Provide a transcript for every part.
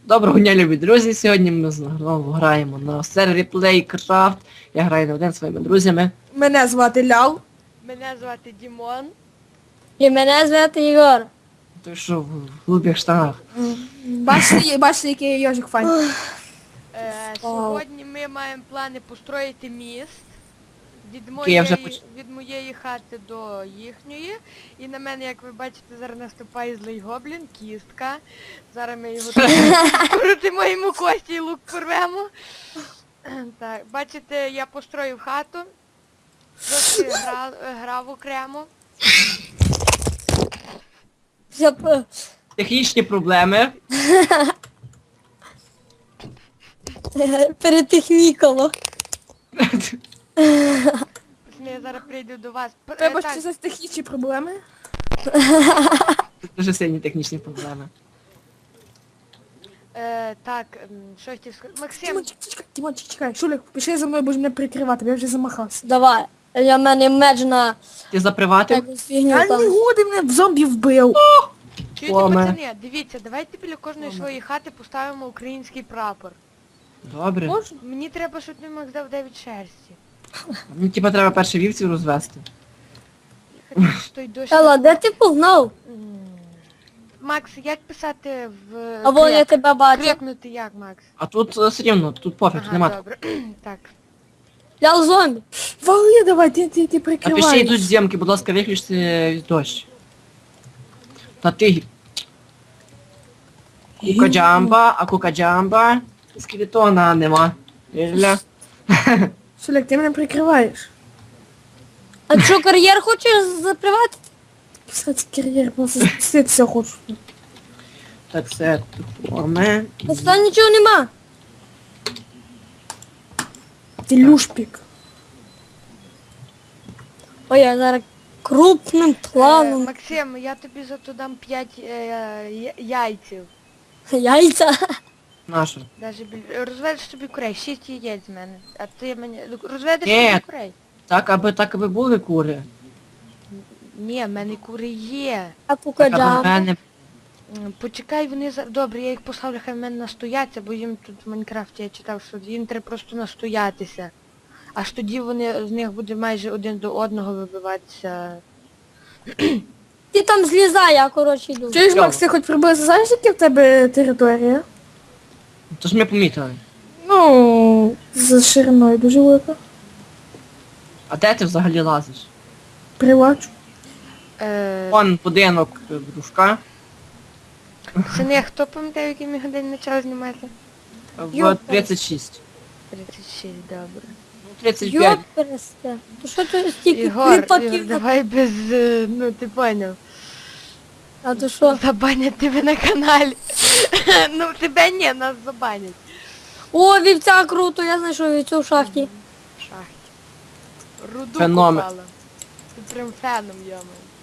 Доброго дня, любі друзі! Сьогодні ми знову граємо на сервері PlayCraft. Я граю на один зі своїми друзями. Мене звати Ляв. Мене звати Дімон. І мене звати Ігор. Ти що, в голубих штанах? Бачите, який йожик файн. Сьогодні ми маємо плани построїти міст Окей, я вже від моєї хати до їхньої. І на мене, як ви бачите, зараз наступає злий гоблін, кістка. Зараз ми його крутимо йому кості і лук порвемо. Так, бачите, я построїв хату. Трохи грав окремо. Технічні проблеми. Перетехнікало. Я зараз прийду до вас. Треба Так, ще за технічні проблеми. Це дуже сильні технічні проблеми. так, що хотів сказати. Максим, Тимончик, чекай. Шулик, пішли за мною, бо ж мене прикривати, я вже замахався. Давай. Я мене меч на Ти заприватив? якусь фігню Я не там. годи, мене в зомбі вбив. чуєте, Оме. пацани, дивіться, давайте біля кожної своєї хати поставимо український прапор. Добре. Можна? Мені треба, щоб ти Макс дав 9 шерсті. Мені типа треба перше вівців розвести. Я хочу, що той дощ... Елла, де ти погнав? Макс, як писати в... А вон я тебе бачу. Крикнути як, Макс? А тут все рівно, тут пофіг, Ага, нема. добре. Так. Я зомбі. Вали давай, ти Напиши, прикриваєш. йдуть зйомки, будь ласка, виключте дощ. Та ти... Кукаджамба, а кукаджамба. Скелетона нема. Ілля. Шулик, ти мене прикриваєш. А що, кар'єр хочеш запривати? Писати кар'єр, просто все хочу. Так, це форми. Там нічого нема. Ти люшпік. Ой, я зараз крупним планом. Максим, я тобі зато дам 5 яйців. Яйця. Нашу. Даже розведеш собі курей, 6 яєць з мене. А ти мені... Розведеш Ні. собі курей? Так, аби були кури. Ні, в мене кури є. А Так, аби в кукаджа. мене... Почекай, вони за... Добре, я їх поставлю, хай в мене настояться, бо їм тут в Майнкрафті я читав, що їм треба просто настоятися. Аж тоді вони з них буде майже один до одного вибиватися. Ти там злізай, я коротше йду. Чуєш, Макс, ти хоч приблизно знаєш, яка в тебе територія? Тож ми помітили. Ну, за шириною дуже велика. А де ти взагалі лазиш? Прибачу. Вон будинок дружка. Сини, хто пам'ятає, в який ми годин почали знімати? В 36. 36, добре. Ну, 35. Йопересте. То що ти стільки Ігор, кріпаків? давай без, ну ти поняв. А то що? Забанять тебе на каналі. Ну тебе ні, нас забанять. О, вівця круто, я знайшов вівцю в шахті. В шахті. Руду Феномен. купала. Ти прям феном, йома.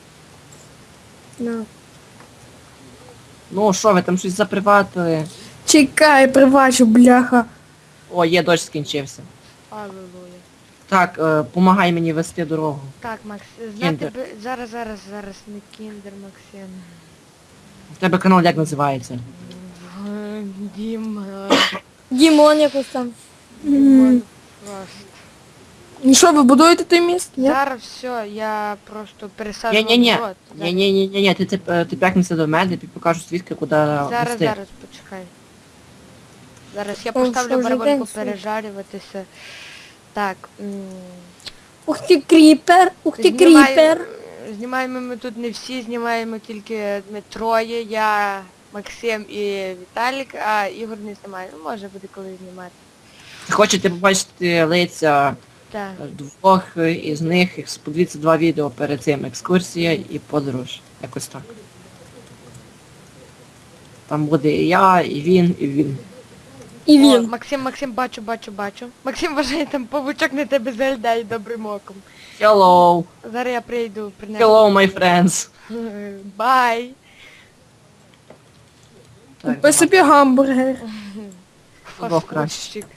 На. Ну що, ви там щось заприватили? Чекай, прибачу, бляха. О, є дощ скінчився. Аллилуйя. Так, помагай мені вести дорогу. Так, Макс, знати Кіндер. би... Зараз, не кіндер, Максим. У тебе канал як називається? Дім... Дімон якось там. Дімон просто. Ну що, ви будуєте той міст? Ні? Зараз все, я просто пересаджу Ні-ні-ні. рот. Ні-ні-ні, ти п'якнися до мене, тобі покажу свідки, куди Зараз, вести. зараз, почекай. Зараз я О, що поставлю вже барабанку день світ. пережарюватися. Так, Ух ти, кріпер, ух ти, кріпер. Знімаємо ми тут не всі, знімаємо тільки ми троє, я, Максим і Віталік, а Ігор не знімає. Ну, може буде колись знімати. Хочете побачити лиця Так. двох із них, подивіться 2 відео перед цим. Екскурсія і подорож. Якось так. Там буде і я, і він, і він. І О, він. Максим, бачу. Максим вважає, там павучок на тебе заглядає добрим оком. Hello! Зараз я прийду, принесу. Hello, my friends! Бай! Так, Купи собі гамбургер. Двох краще. Фасхудщик.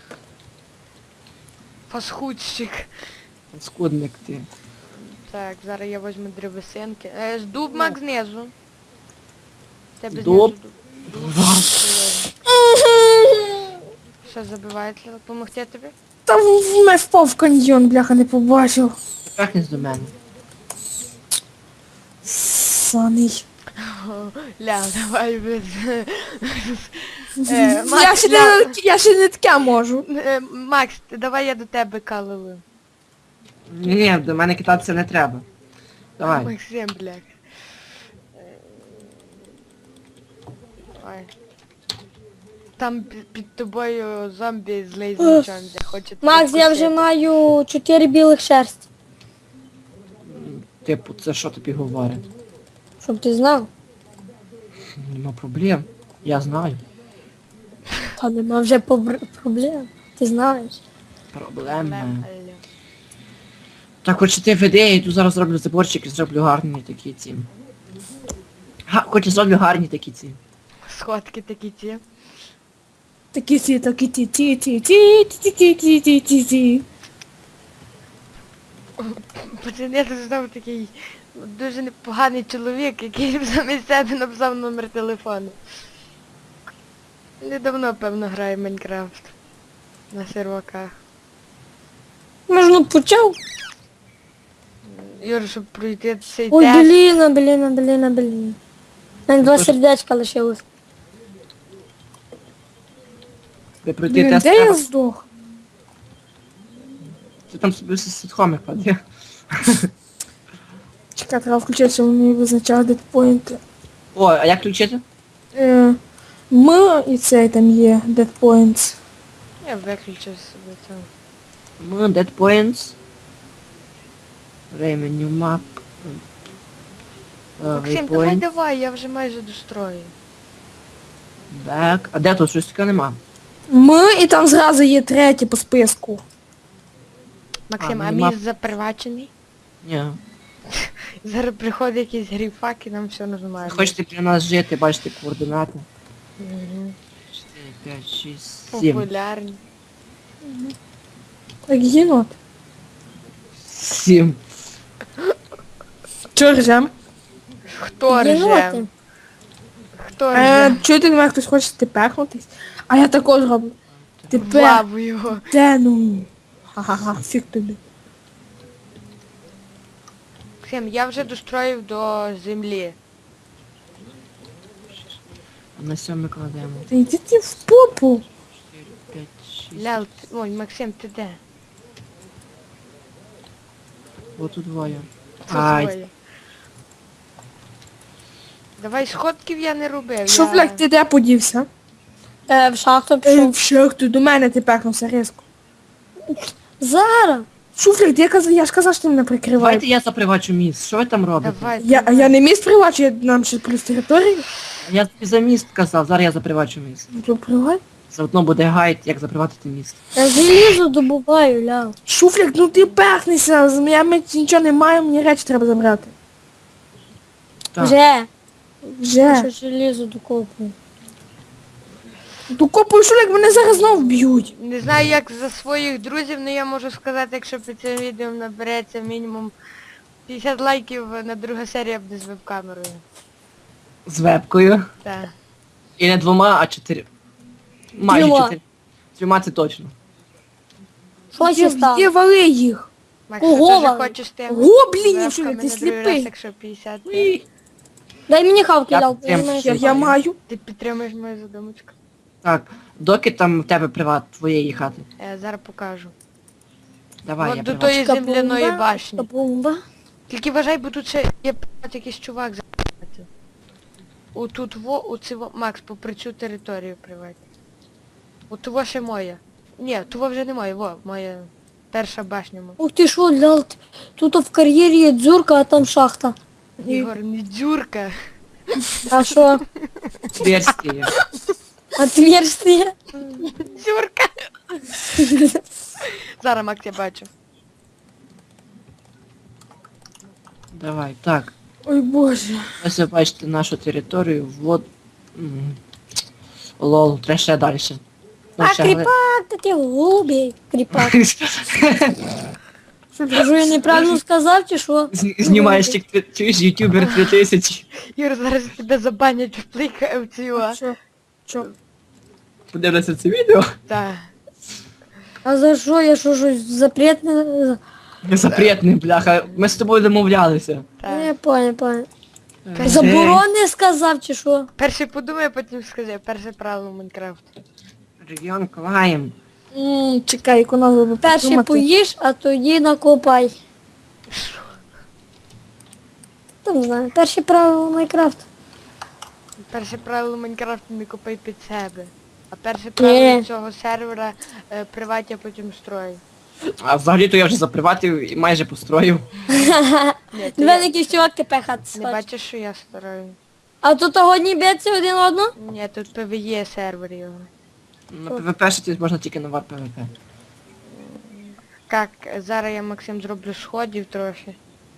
Фасхудщик. скудник ти. Так, зараз я візьму древесинки. Дуб Мак знизу. Тебе Дуб? знизу дуб. Що забивають? Помогти тобі? Та мене впав в каньйон, бляха, не побачив. Трахнись до мене. Саний. Ля, давай без... Я ще не таке можу. Макс, давай я до тебе калилу. Ні, до мене кидатися не треба. Давай. Максим, бляха. Давай. Там під тобою зомбі з лейзерчом, де хоче тебе Макс, я вже вкусити. маю 4 білих шерсті. Типу, це що тобі говорить? Щоб ти знав. Нема проблем. Я знаю. Та нема вже проблем. Ти знаєш. Проблеми. Алло. Так, хоче ти веди, я йду зараз зроблю заборчик і зроблю гарні такі ці. Хоче зроблю гарні такі ці. Сходки такі ті. Такі ті. Пацани, тут знову такий дуже непоганий чоловік, який замість себе написав номер телефону. Недавно, певно, грає в Майнкрафт. На серваках. Можна почав? Юр, щоб пройти цей Ой, тест. блін. Навіть 2 сердечка лишилось. Ти пройти Блін, тест де я треба. здох? Ти там собі сітхоми клади. Чекай, треба включити, щоб мені визначали дедпоінти. О, а як включити? І цей там є deadpoints. Я виключив собі це. Dead Points. Menu Map. Максим, давай, я вже майже дострою. Back. А де тут щось таке нема? І там зразу є третє по списку. Максим, А, а нема. мій запривачений? Ні. Зараз приходить якийсь гріфак і нам все нормально. Хочете при нас жити, бачите координати. Мгм. 4, 5, 6, 7. Популярні. Так, єнот. 7. Чого ржем? Хто рже? Єноти. Хто рже? Чуєте, немає хтось хоче тепехнутись? А я також роблю. В Тепер. лаву його. Де ну? Ха-ха-ха, фіг тобі. Максим, я вже достроїв до землі. На 7 кладемо. Та йди ти в попу. 4, 5, 6. Лял, ой, Максим, ти де? Вот тут двоє. Тут Ай, двоє. Давай сходків я не робив. Що, я... блядь, ти де подівся? В шахту В пішов. шахту, до мене ти пехнувся різко. Зараз. Шуфлік, я ж казав, що ти мене прикриваєш. давайте я запривачу міст. Що ви там робите? Давай, Я не міст привачу, я нам ще плюс територію. Я тобі за міст казав, зараз я запривачу міст. Ну, то привай. Заодно буде гайд, як заприватити міст. Я залізу добуваю, ляв. Шуфлік, ну ти пехнися, я нічого не маю, мені речі треба забрати. Так. Вже. Вже. Що желізо докопую. Докопую Шуфлік, мене зараз знов б'ють. Не знаю як за своїх друзів, але я можу сказати, якщо під цим відео набереться мінімум 50 лайків, на друга серія буде з веб-камерою. З вебкою. Так. І не 2, а 4. Майже Трьома. 4. 3 це точно. Що ще Є стало? вали їх. Макс, Ого, ти теж Валя. хочеш ти? Гоблінів, що Вебками ти на другий раз, сліпий. якщо 50. Уй. Дай мені хавки, Я ляв. підтримую. Я маю. Ти підтримуєш мою задумочку? Так, доки там в тебе приват твоєї хати. Я зараз покажу. Давай, От я до приват. тої земляної башні. Бомба. Тільки вважай, бо тут ще є якийсь чувак за***ти. Отут Макс, попри цю територію приват. От того ще моя. Ні, того вже не моя, моя перша башня. Ух ти що, ляв. Тут в кар'єрі є дзюрка, а там шахта. Ігор, не дзюрка. А що? Версії. Отверстие? Дзюрка. Зараз, Макс, я бачу. Давай, так. Ой боже. Ось ви бачите нашу територію. Вот. Лол, треба ще далі. Ну, А ще кріпак, та ти голубі. Кріпак. Що Кажу, я неправильно сказав, чи що? Знімаєш тік, чуєш, ютубер 3000. Юр, зараз тебе забанять в плейка в цю. Що? Що? подивляться це відео. Так. А за що? Я що, щось запретне? Запретний, бляха. Ми з тобою домовлялися. Не понял. Е, Заборони сказав чи що? Перше подумай, а потім скажи. Перше правило Майнкрафту. Регіон Клайм. Чекай, яку назву би Перше придумати. поїж, а тоді накопай. Там не знаю. Перше правило Майнкрафту. Перше правило Майнкрафту не копай під себе. А перше правило Ні. цього сервера приватя, потім строй. А взагалі-то я вже заприватив і майже построїв. Ні, ти Великий чувак тепер хат не бачиш, що я стараю. А тут одні б'ються один одного? Ні, тут PvE сервер його. На ПВП ще можна тільки на вар ПВП. Так, зараз я, Максим, зроблю сходів трохи.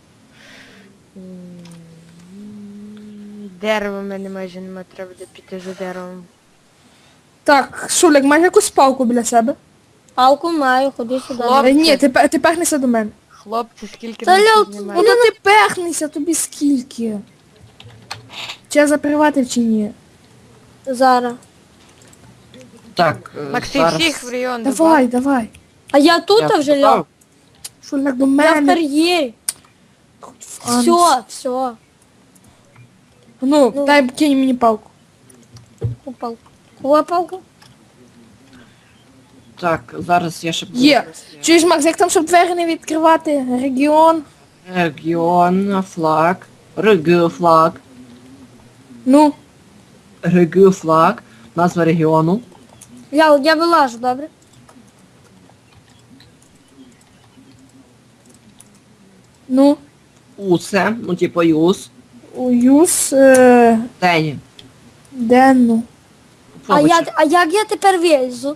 Дерева в мене майже немає, треба буде піти за деревом. Так, Шулик, маєш якусь палку біля себе? Палку маю, ходи сюди. Хлоп. Ні, ти пехнися до мене. Хлопці, скільки Та нам Льол, тут Ну знімає? то ти пехнися, тобі скільки? Чи я заприватив чи ні? Зараз. Так, Максим, зараз... всіх в район Давай, давай. А я тут Я вже впав. ляг. Шулик до Я в мене. кар'єрі. Анус. Все. Ну, Ну. дай кинь мені палку. Палку. Кого палку? Так, зараз я ще буду... Є. Чуєш, Макс, як там, щоб двері не відкривати? Регіон. Регіон, флаг. Регіо флаг. Ну, Регіо флаг. Назва регіону. Я вилажу, добре? ну, Усе, ну типу юз. уюз, Тені. денну. А як я тепер вилізу?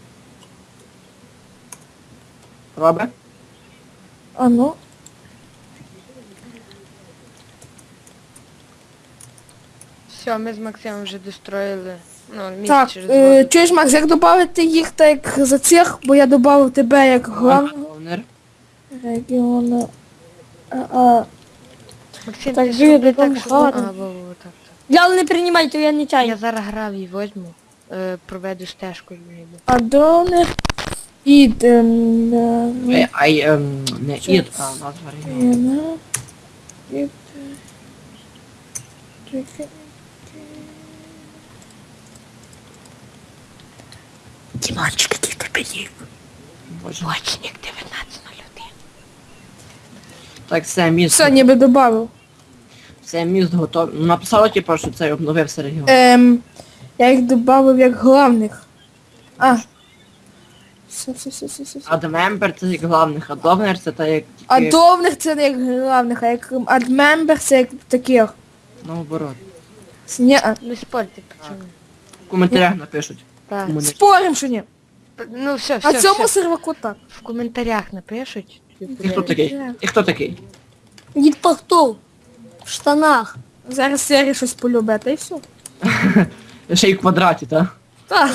Робе? А ну. Все, ми з Максимом вже достроїли. Ну, місць Так, через воду. чуєш, Макс, як додати їх так за цих, бо я додав тебе як главного Главнер. регіону. Максим, так ти жив, зроби потім так, що... гарно. А, во, так. Я не приймайте, я не Я чаю. зараз грав і возьму, проведу стежку і вийду. Адонер. Ід. Не ід, а назва регіону. Дімончик, який в тебе є? Боже. Лочник 1901. Так, все, міст. Все, ніби додав. Все, міст готовий. Ну, написало, типу, що це обновився регіон. Я їх додав як главних. А. Все. Адмембер це як главних, а Довнер це та як А тільки довних це не як главних, а як адмембер це як таких. наоборот. Ні, Не спорте, пацани. В коментарях напишуть. Так. Кому не- спорим, що ні. Ну все, А все, цьому все. серваку так. В коментарях напишуть. І хто такий? І хто такий? Дід Пахтов. В штанах. Зараз серії щось полюбить, та й все. Ще й в квадраті, так? Так.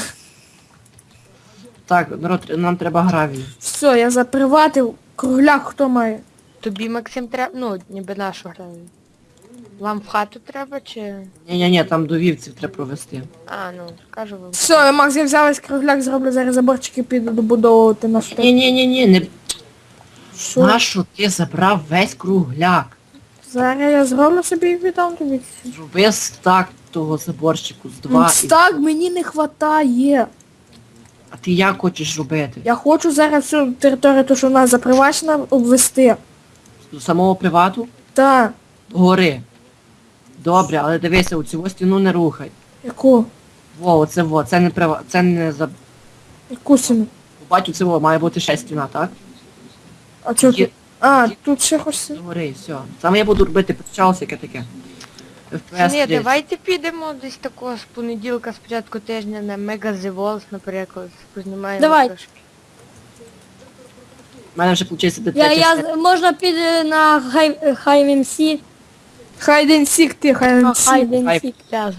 Так, народ, нам треба гравію. Все, я заприватив. Кругляк хто має? Тобі, Максим, треба, ну, ніби нашу граю. Вам в хату треба чи... Ні, там до вівців треба провести. А, ну, кажу вам. Все, Макс, я взяв ось кругляк, зроблю зараз заборчики, піду добудовувати нашу. Ні, не... Що? Нашу ти забрав весь кругляк. Зараз я зроблю собі і віддам тобі. Зроби стак того заборчику з два. Так, мені не хватає. А ти як хочеш робити? Я хочу зараз всю територію, ту, що в нас запривачена, обвести. До самого привату? Так. Гори. Добре, але дивися, у цю стіну не рухай. Яку? Це не це не за... Яку сіну? Бачу, це має бути ще стіна, так? А чого Є- тут? А, тут ще хоч сіну. Гори, все. Саме я буду робити почалося яке таке. FPS Ні, 30. давайте підемо десь такого з понеділка, з початку тижня на Mega The Walls, наприклад, познімаємо Давай. трошки. У мене вже виходить де Можна піти на Хай-МС. Хайден сік ти, хайден сік. Хай-МС.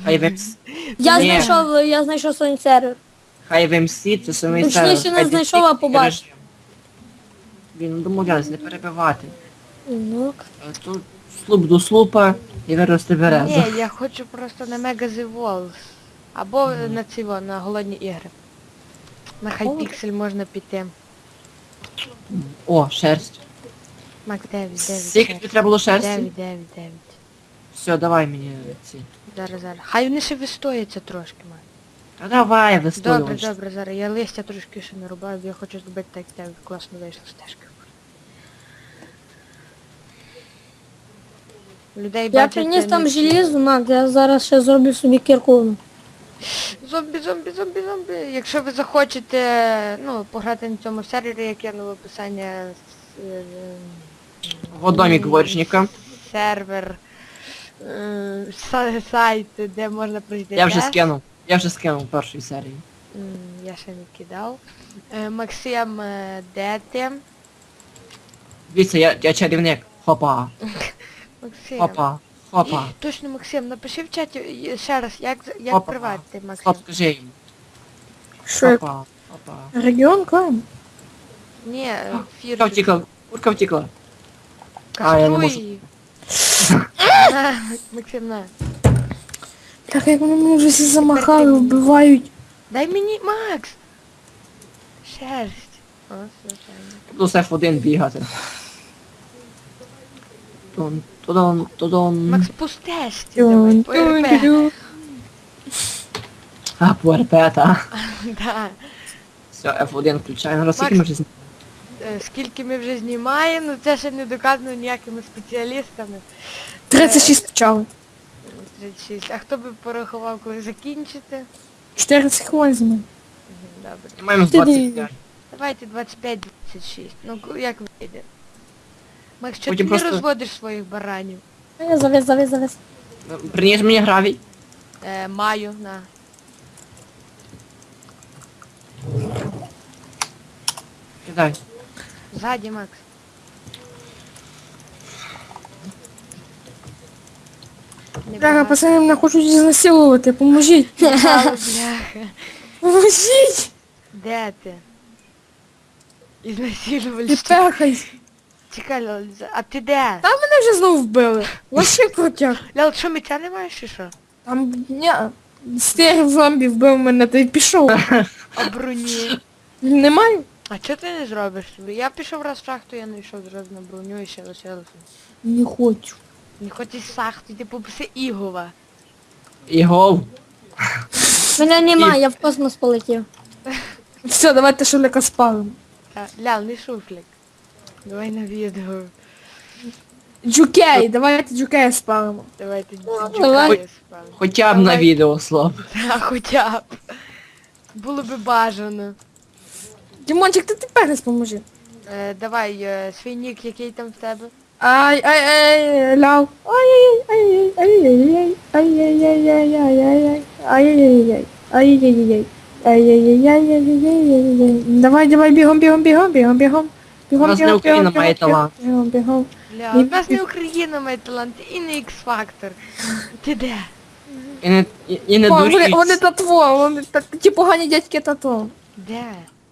Я знайшов свій сервер. Хай в МС, це самий Точніше, сервер. не Хай знайшов, Десік а побачив. режим. Блін, ну домовлялись, не перебивати. Ну, Тут слуп до слупа і вирости березу. Ні, я хочу просто на Mega The Walls. Або на циво, на голодні ігри. На хайпіксель можна піти. О, шерсть. Макс, 9, 9. Скільки тобі треба було шерсті? 9, 9, 9. Все, давай мені ці. Зараз. Хай вони ще вистояться трошки, Макс. Та давай, Добре, вистоювач. добре, зараз. Я листя трошки ще не рубаю, бо я хочу зробити так, як тебе класно вийшло стежка. Людей Я бачити приніс не там всі. желізо, Мак, я зараз ще зроблю собі кірку. Зомбі. Якщо ви захочете, ну, пограти на цьому сервері, я кину в описання Вот домик дворічника. сервер, сайт, де можна пройти Я вже тест. скинув. Я вже скинув першої серії. Я ще не кидав. Максим, де ти? Дивіться, я чарівник. Хопа. Максим. Хопа. Хопа. Точно, Максим, напиши в чаті ще раз, як Хопа. приватити, Максим. Стоп, скажи їм. Що? Хопа. Хопа. Регіон клан? Ні, Курка фір. втікла. Курка втікла. А, я не можу. Каструй. На, Максим, на. Так як вони мене вже всі замахали, вбивають. Дай мені, Макс! Шерсть. О, все, правильно. Буду з F1 бігати. Тудон. Макс, пустешся, давай, по РП. А, по РП, та. Да. Все, F1 включаємо. Раз скільки Макс. ми вже Скільки ми вже знімаємо, ну це ще не доказано ніякими спеціалістами. 36 почали. 36. А хто би порахував, коли закінчите? 14 хвилин з мене. Добре. маємо з Ти 25. Давайте 25-26. Ну, як вийде? Макс, що ти Потім не просто- розводиш своїх баранів? Завез. Приніс мені гравій. Маю, на. Кидай. Ззаді, Макс. Не Бляха, багато. пацани мене хочуть знасилувати, поможіть. Мало, бляха. Поможіть! Де ти? Ізнасилували. Ти пехай. Чекай, Лол, а ти де? Та мене вже знову вбили. Вообще крутяк. Лол, що, меча не маєш чи що? Там, стерв зомбі вбив мене, та й пішов. А броні? Немає? А чого ти не зробиш собі? Я пішов раз в шахту, я не йшов зразу на броню і ще лишилося. Не хочу. Не хочеш шахту, ти попроси Ігова. Ігов. Мене немає, я в космос полетів. Все, давайте шулика спалимо. Лял, не шуфлік. Давай на відео. Джукей, давайте джукея спалимо. Давайте давай. джукаю спали. Хоча б на відео, слав. Та хоча б. Було би бажано. Дімончик, ти тепер поможи. Давай, свій нік, який там в тебе? Ай, ляв. Ай-яй-яй, ай-яй-яй, ай-яй-яй, ай-яй-яй, ай-яй-яй. Давай, бігом. У нас не Україна має талант. Бігом. Ля, у нас не Україна має талант, і не X-Factor. Ти де? І не Вони дуріть. татво, вони ті погані дядьки татво. Де?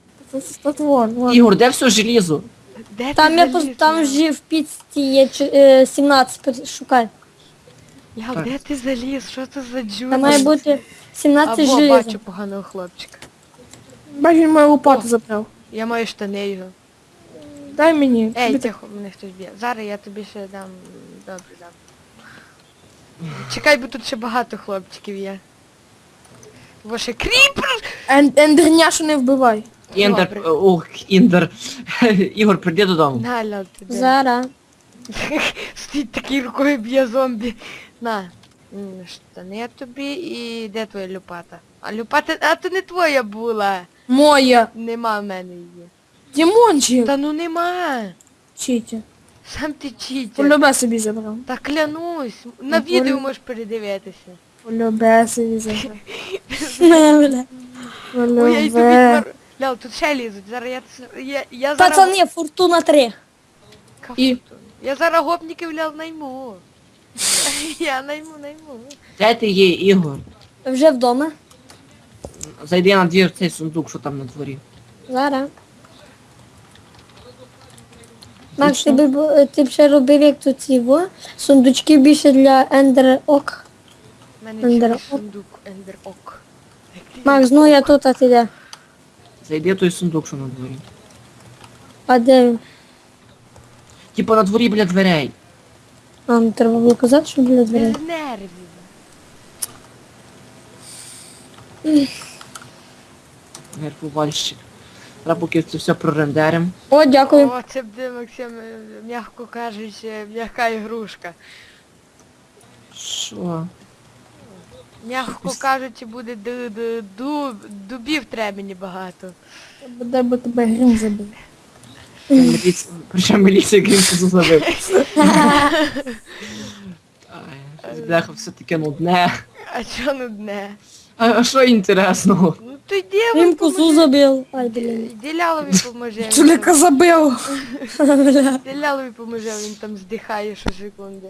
Татво. Ігор, де все желізо? Де Там ти я заліз, там Лял? жив в піцці є 17, шукай. Лял, Так. де ти заліз? Що це за джур? Там має бути 17 Або желіза. бачу поганого хлопчика. Бачу, він мою лопату О. забрав. Я маю штани його. Дай мені. Ей, Тобі тихо, мене хтось б'є. Зараз я тобі ще дам. Добре, дам. Чекай, бо тут ще багато хлопчиків є. Бо ще кріпер! Ендерняшу не вбивай. Індер, Добре. ох, Індер. Ігор, прийди додому. На, Лял, ти де? Зараз. Стоїть такий рукою б'є зомбі. На. Штани тобі і де твоя лопата? А лопата, а то не твоя була. Моя. Нема в мене її. Дімончик. Та ну нема. Читі. Сам ти читер. Полюбе собі забрав. Та клянусь. На Ну, відео полю- можеш передивитися. Полюбе собі забрав. Ой, я йду Полюбе. відмар... Лял, тут ще лізуть. Зараз я зараз... Пацани, фортуна 3. І? Я зараз гопників, Лял, найму. Я найму. Де ти є, Ігор? Вже вдома. Зайди на двір цей сундук, що там на дворі. Зараз. Макс, ти б ще робив як тут ці сундучки більше для Ender Ок. У мене Ендер чийсь ок. сундук, Ендер Ок. Макс, ну я тут, а ти де? Зайди в той сундук, що на дворі. А де він? Типа на дворі біля дверей. А, ну треба було казати, що біля дверей. Без нервів. Нервувальщик. Треба поки це все прорендерим. О, дякую. О, це буде, Максим, м'яко кажучи, м'яка ігрушка. Що? М'яко кажучи, буде дубів треба мені багато. Буде бо тебе грім забив. Причому міліція Грінкусу забив. Бляха, все таке нудне. А чо нудне? А що інтересного? Ну то йди, Він козу забив. Ай, блін. Йди Лялові поможе. Чоліка забив. Йди Лялові поможе, він там здихає щосекунди.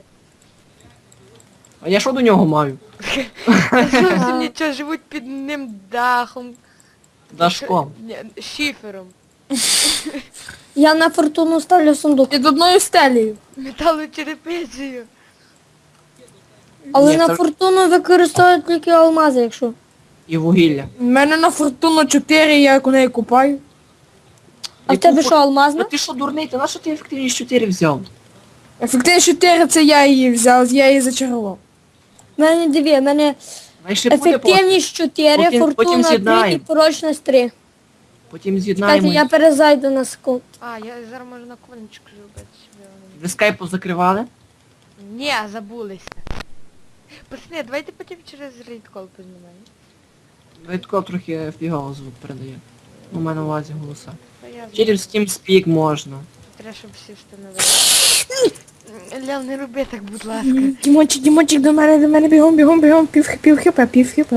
А я що до нього маю? Зовсім нічого, живуть під ним дахом. Дашком. Ні, шифером. Я на фортуну ставлю сундук. Під одною стелею. Металочерепицею. Але Ні, на це- фортуну використовують тільки алмази, якщо. І вугілля. У мене на фортуну 4, я як у неї купаю. А в тебе що, алмазна? Ну ти що дурний, ти на що ти ефективність 4 взяв? Ефективність 4 це я її взяв, я її зачарував. В мене дві, в мене Знаєш, ще буде ефективність 4, потім фортуна 3 і з'єднаємо. прочність 3. Потім Чекайте, з'єднаємо. я перезайду на секунду. А, я зараз можу на конечку зробити. щоб воно Ви скайпу закривали? не- Ні, забулися. Пацани, давайте потім через рейдкол познімаємо. Витко трохи фігово звук передає. У мене на увазі голоса. Та я Через TeamSpeak можна. треба, щоб всі встановили. Лял, не роби так, будь ласка. Дімончик, до мене, бігом, пів хп.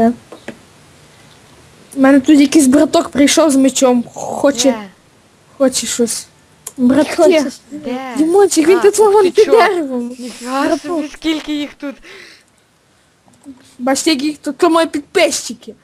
У мене тут якийсь браток прийшов з мечом, Де? хоче щось. Братки. Хочеш? Де? Дімончик, він А, тут вон ти під чо? деревом. Ніфіга собі, скільки їх тут. Бачите, які тут то мої підписчики.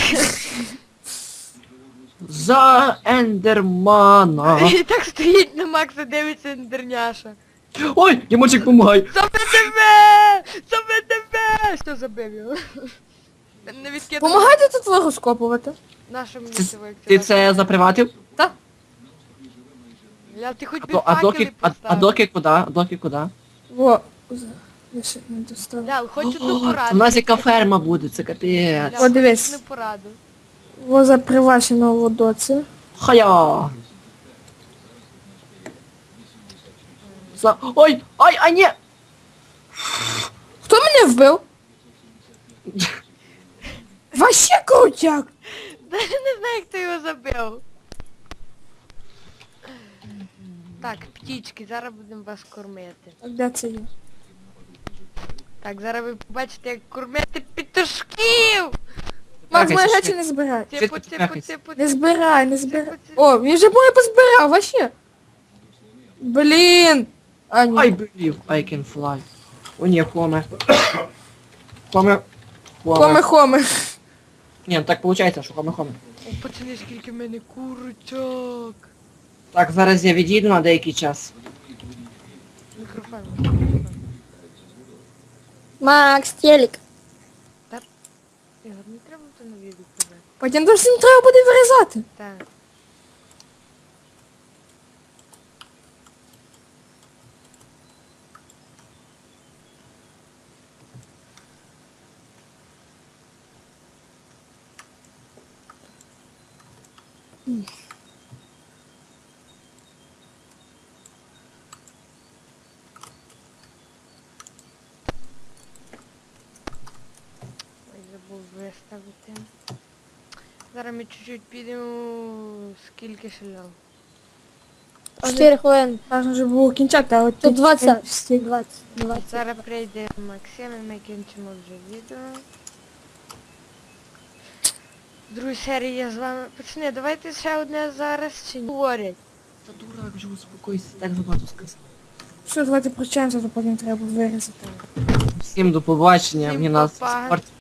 За Ендермана! І так стоїть на Макса, дивиться ендерняша. Ой, Дімочек, помагай! Забе тебе! Забе тебе! Що забив його? Не відкидав. Помагайте тут розкопувати. Нашому Це- місцевому Ти це заприватив? Лял, ти хоч би А факели доки, поставив. доки куди? А доки куди? Во. Я ще не достав. Лял, хоч одну У пораду. нас яка ферма буде, це капець. Лял, О, хоч дивись. одну пораду. Во за привашеного водоці. Хая! Ой, ай, а ні! Хто мене вбив? Вообще крутяк. Да я не знаю, як ти його забив. Так, птічки, зараз будемо вас кормити. А де це є? Так, зараз ви побачите, як кормити петушків! Макс, мої Трахайся, речі не збирай. Типу, Швидко типу, трахайся. типу, Не збирай, не збирай. Типу, О, він же моє позбирав, вообще. Блін. А, ні. I believe I can fly. О ні, хоме. Хоме. Хоме. Ні, ну так виходить, що хоме. О, пацани, скільки в мене курочок. Так, зараз я відійду на деякий час. Мікрофон. Макс, телек. Ігор, не треба то на відео казати. Потім то всім треба буде вирізати. Так. Ой, забув виставити. Зараз ми чуть-чуть підемо, скільки шляв. 4 хвилини. Можна вже було кінчати, а от Тут 20. встиг. 20. Зараз прийде Максим і ми кінчимо вже відео. В другій серії я з вами... Пацани, давайте ще одне зараз чи ні? Говорять. Та дурак, вже успокойся, так забагато сказав. Все, давайте прощаємося, то потім треба вирізати. Всім до побачення, Всім мені нас па-па. спорт